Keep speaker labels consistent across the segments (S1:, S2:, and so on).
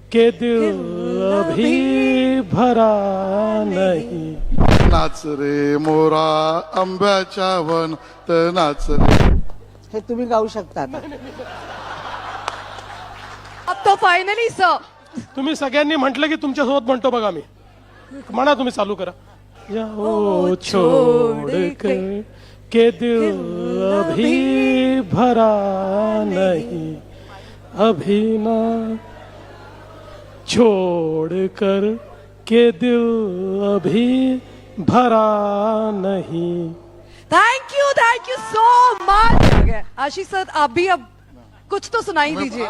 S1: के दिल अभी भरा नहीं।
S2: नाच रे मोरा आंब्याच्या वनात नाच रे।
S3: हे तुम्ही गाऊ शकता आता.
S4: अब तो फायनली सर
S1: तुम्ही सगळ्यांनी म्हटलं की तुमच्यासोबत म्हणतो बघा मी. म्हणा तुम्ही चालू करा. जाओ छोड़ कर के दिल अभी भरा नहीं, अभी ना छोड़ कर के दिल अभी भरा नहीं।
S4: Thank you so much. Ashish sir आप भी अब कुछ तो सुनाई दीजिए।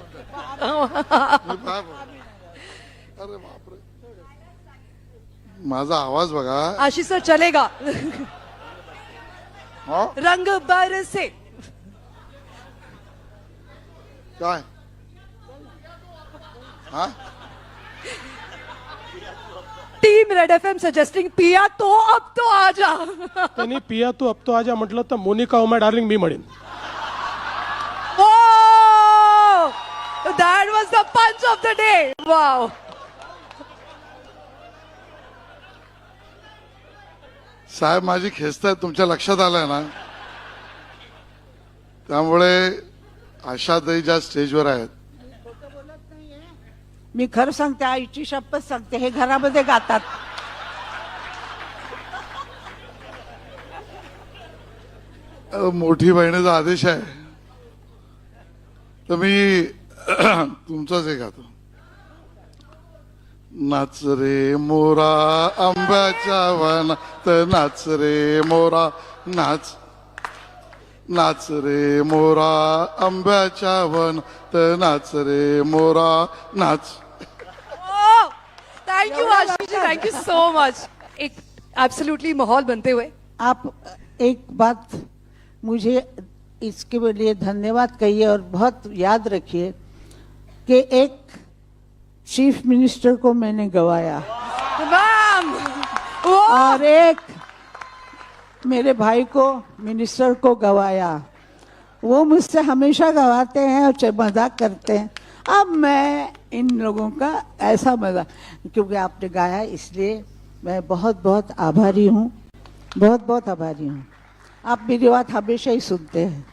S2: अरे बापरे, माझा आवाज बघा.
S4: आशीष सर चलेगा.
S2: हा?
S4: रंग बरसे.
S2: काय हा?
S4: टीम रेड एफएम सजेस्टिंग पिया तो अब तो आजा.
S1: त्यांनी पिया तू अब तो आजा म्हटलं तर मोनिका ओ माय डार्लिंग मी म्हणेन.
S4: Oh, that was the punch of the day. Wow.
S2: साहेब माझी खेचतायत, तुमच्या लक्षात आलंय ना. त्यामुळे आशाताई ज्या स्टेजवर आहेत,
S3: मी खरं सांगते, आईची शपथ सांगते, हे घरामध्ये गातात.
S2: मोठी बहिणीचा आदेश आहे तर मी तुमचाच हे गातो. नाच रे मोरा आंब्याच्या वनात नाच रे मोरा नाच. नाच रे मोरा आंब्याच्या वनात नाच रे मोरा नाच.
S4: Oh, thank you Ashish ji, thank you so much. एक एब्सोल्युटली माहौल बनते हुए.
S3: आप एक बात मुझे इसके लिए धन्यवाद कहिए और बहुत याद रखिए कि एक चीफ मिनिस्टर को मैंने गवाया
S4: मैम.
S3: और एक मेरे भाई को मिनिस्टर को गवाया. वो मुझसे हमेशा गवाते हैं और मजाक करते हैं. अब मैं इन लोगों का ऐसा मजाक, क्योंकि आपने गाया इसलिए मैं बहुत बहुत आभारी हूँ, बहुत बहुत आभारी हूँ. आप मेरी बात हमेशा ही सुनते हैं.